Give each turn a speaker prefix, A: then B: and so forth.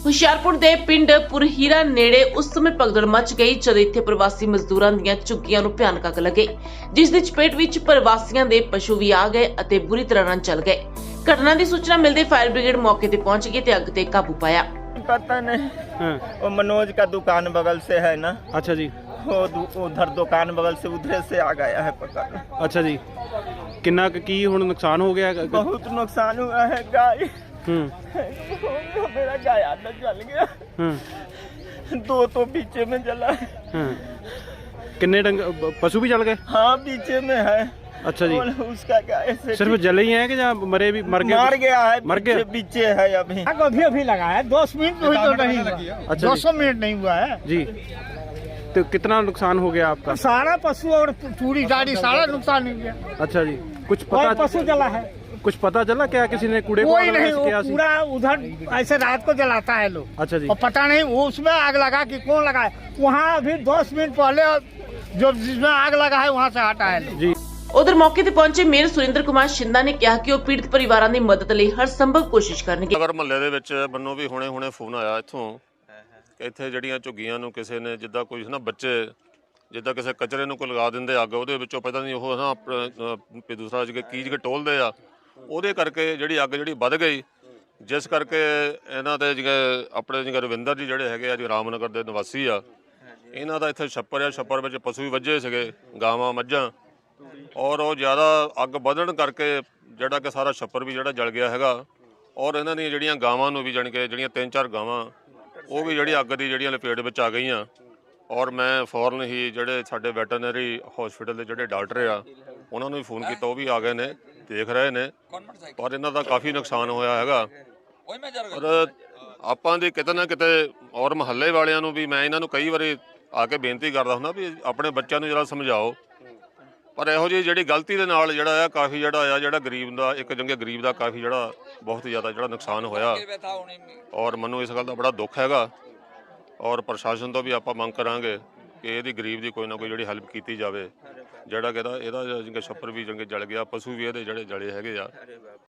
A: ਹੁਸ਼ਿਆਰਪੁਰ ਦੇ ਪਿੰਡ ਪੁਰਹੀਰਾ ਨੇੜੇ ਉਸ ਸਮੇਂ ਭਗਦੜ ਮਚ ਗਈ ਜਦ ਇੱਥੇ ਪ੍ਰਵਾਸੀ ਮਜ਼ਦੂਰਾਂ ਦੀਆਂ ਝੁੱਗੀਆਂ ਨੂੰ ਭਿਆਨਕ ਅੱਗ ਲੱਗੀ, ਜਿਸ ਦੀ ਚਪੇਟ ਵਿੱਚ ਪ੍ਰਵਾਸੀਆਂ ਦੇ ਪਸ਼ੂ ਵੀ ਆ ਗਏ ਅਤੇ ਬੁਰੀ ਤਰ੍ਹਾਂ ਨਾਲ ਜਲ ਗਏ। ਘਟਨਾ ਦੀ ਸੂਚਨਾ ਮਿਲਦੇ फायर ब्रिगेड मौके पर पहुंच गई ਤੇ ਅੱਗ ਤੇ ਕਾਬੂ ਪਾਇਆ।
B: पता नहीं वो मनोज का दुकान बगल से है ना।
C: अच्छा जी।
B: वो उधर दुकान बगल से उधर से आ गया है पकड़।
C: अच्छा जी। किन्ना की हुण नुकसान हो गया?
B: बहुत नुकसान हुआ है। गाय मेरा गाय आधा जल गया। दो तो पीछे में जला है।
C: किन्ने पशु भी जल गए?
B: हाँ पीछे में है।
C: अच्छा जी।
B: उसका क्या ऐसे
C: सिर्फ जले ही है कि या मरे भी? मर
B: गया है।
C: मर गया
B: पीछे है अभी।
D: अभी लगा है 10 मिनट हुई तो नहीं।
C: अच्छा
D: 200 मिनट नहीं हुआ है
C: जी। तो कितना नुकसान हो गया आपका?
D: सारा पशु और पूरी गाड़ी सारा नुकसान हो गया।
C: अच्छा जी। कुछ
D: कोई
C: पता
D: पशु जला है?
C: कुछ पता चला क्या किसी ने कूड़े
D: कोई नहीं, वो पूरा उधर ऐसे रात को जलाता है लोग।
C: अच्छा जी।
D: और पता नहीं वो उसमें आग लगा कि कौन लगाए। वहाँ अभी 10 मिनट पहले जो जिसमें आग लगा है वहाँ से हटा है
C: जी।
A: उधर मौके ते पहुंचे मेयर सुरेंद्र कुमार शिंदा ने कहा कि वो पीड़ित परिवारां ਦੀ ਮਦਦ ਲਈ ਹਰ ਸੰਭਵ ਕੋਸ਼ਿਸ਼ ਕਰਨਗੇ।
E: ਨਗਰ ਮਹੱਲੇ ਦੇ ਵਿੱਚ ਮੈਨੂੰ ਵੀ ਹੁਣੇ ਫੋਨ ਆਇਆ ਇੱਥੋਂ ਕਿ ਇੱਥੇ ਜਿਹੜੀਆਂ ਝੁੱਗੀਆਂ ਨੂੰ ਕਿਸੇ ਨੇ ਜਿੱਦਾਂ ਕੋਈ ਨਾ ਬੱਚੇ ਜਿੱਦਾਂ ਕਿਸੇ ਕਚਰੇ ਨੂੰ ਕੋਈ ਲਗਾ ਦਿੰਦੇ ਅੱਗ, ਉਹਦੇ ਵਿੱਚੋਂ ਪਤਾ ਨਹੀਂ ਉਹ ਨਾ ਦੂਸਰਾ ਕੀਜ ਕੇ ਟੋਲਦੇ ਆ, ਉਹਦੇ ਕਰਕੇ ਜਿਹੜੀ ਅੱਗ ਜਿਹੜੀ ਵੱਧ ਗਈ, ਜਿਸ ਕਰਕੇ ਇਹਨਾਂ ਦੇ ਜਿਹੜੇ ਆਪਣੇ ਜਿਹੜੇ ਰਵਿੰਦਰ ਜੀ ਜਿਹੜੇ ਹੈਗੇ ਆ ਜੀ ਰਾਮਨਗਰ ਦੇ ਨਿਵਾਸੀ ਆ, ਇਹਨਾਂ ਦਾ ਇੱਥੇ ਛੱਪਰ ਆ, ਛੱਪਰ ਵਿੱਚ ਪਸ਼ੂ ਵੀ ਵੱਜੇ ਸੀਗੇ, ਗਾਵਾਂ ਮੱਝਾਂ, ਔਰ ਉਹ ਜ਼ਿਆਦਾ ਅੱਗ ਵਧਣ ਕਰਕੇ ਜਿਹੜਾ ਕਿ ਸਾਰਾ ਛੱਪਰ ਵੀ ਜਿਹੜਾ ਜਲ ਗਿਆ ਹੈਗਾ, ਔਰ ਇਹਨਾਂ ਦੀਆਂ ਜਿਹੜੀਆਂ ਗਾਵਾਂ ਨੂੰ ਵੀ ਜਾਣੀ ਕਿ ਜਿਹੜੀਆਂ 3-4 ਗਾਵਾਂ ਉਹ ਵੀ ਜਿਹੜੀ ਅੱਗ ਦੀ ਜਿਹੜੀਆਂ ਲਪੇਟ ਵਿੱਚ ਆ ਗਈਆਂ। ਔਰ ਮੈਂ ਫੌਰਨ ਹੀ ਜਿਹੜੇ ਸਾਡੇ ਵੈਟਰਨਰੀ ਹਸਪੀਟਲ ਦੇ ਜਿਹੜੇ ਡਾਕਟਰ ਆ ਉਹਨਾਂ ਨੂੰ ਵੀ ਫੋਨ ਕੀਤਾ, ਉਹ ਵੀ ਆ ਗਏ ਨੇ, ਦੇਖ ਰਹੇ ਨੇ, ਪਰ ਇਹਨਾਂ ਦਾ ਕਾਫੀ ਨੁਕਸਾਨ ਹੋਇਆ ਹੈਗਾ। ਔਰ ਆਪਾਂ ਦੀ ਕਿਤੇ ਨਾ ਕਿਤੇ ਔਰ ਮੁਹੱਲੇ ਵਾਲਿਆਂ ਨੂੰ ਵੀ ਮੈਂ ਇਹਨਾਂ ਨੂੰ ਕਈ ਵਾਰੀ ਆ ਕੇ ਬੇਨਤੀ ਕਰਦਾ ਹੁੰਦਾ ਵੀ ਆਪਣੇ ਬੱਚਿਆਂ ਨੂੰ ਜਰਾ ਸਮਝਾਓ, ਪਰ ਇਹੋ ਜਿਹੀ ਜਿਹੜੀ ਗਲਤੀ ਦੇ ਨਾਲ ਜਿਹੜਾ ਆ ਕਾਫੀ ਜਿਹੜਾ ਗਰੀਬ ਦਾ ਇੱਕ ਜੰਗੇ ਗਰੀਬ ਦਾ ਕਾਫੀ ਜਿਹੜਾ ਬਹੁਤ ਜ਼ਿਆਦਾ ਜਿਹੜਾ ਨੁਕਸਾਨ ਹੋਇਆ, ਔਰ ਮੈਨੂੰ ਇਸ ਗੱਲ ਦਾ ਬੜਾ ਦੁੱਖ ਹੈਗਾ। ਔਰ ਪ੍ਰਸ਼ਾਸਨ ਤੋਂ ਵੀ ਆਪਾਂ ਮੰਗ ਕਰਾਂਗੇ ਕਿ ਇਹਦੀ ਗਰੀਬ ਦੀ ਕੋਈ ਨਾ ਕੋਈ ਜਿਹੜੀ ਹੈਲਪ ਕੀਤੀ ਜਾਵੇ, ਜਿਹੜਾ ਕਿ ਇਹਦਾ ਛੱਪਰ ਵੀ ਜੰਗੇ ਜਲ ਗਿਆ, ਪਸ਼ੂ ਵੀ ਇਹਦੇ ਜਿਹੜੇ ਜਲੇ ਹੈਗੇ ਆ।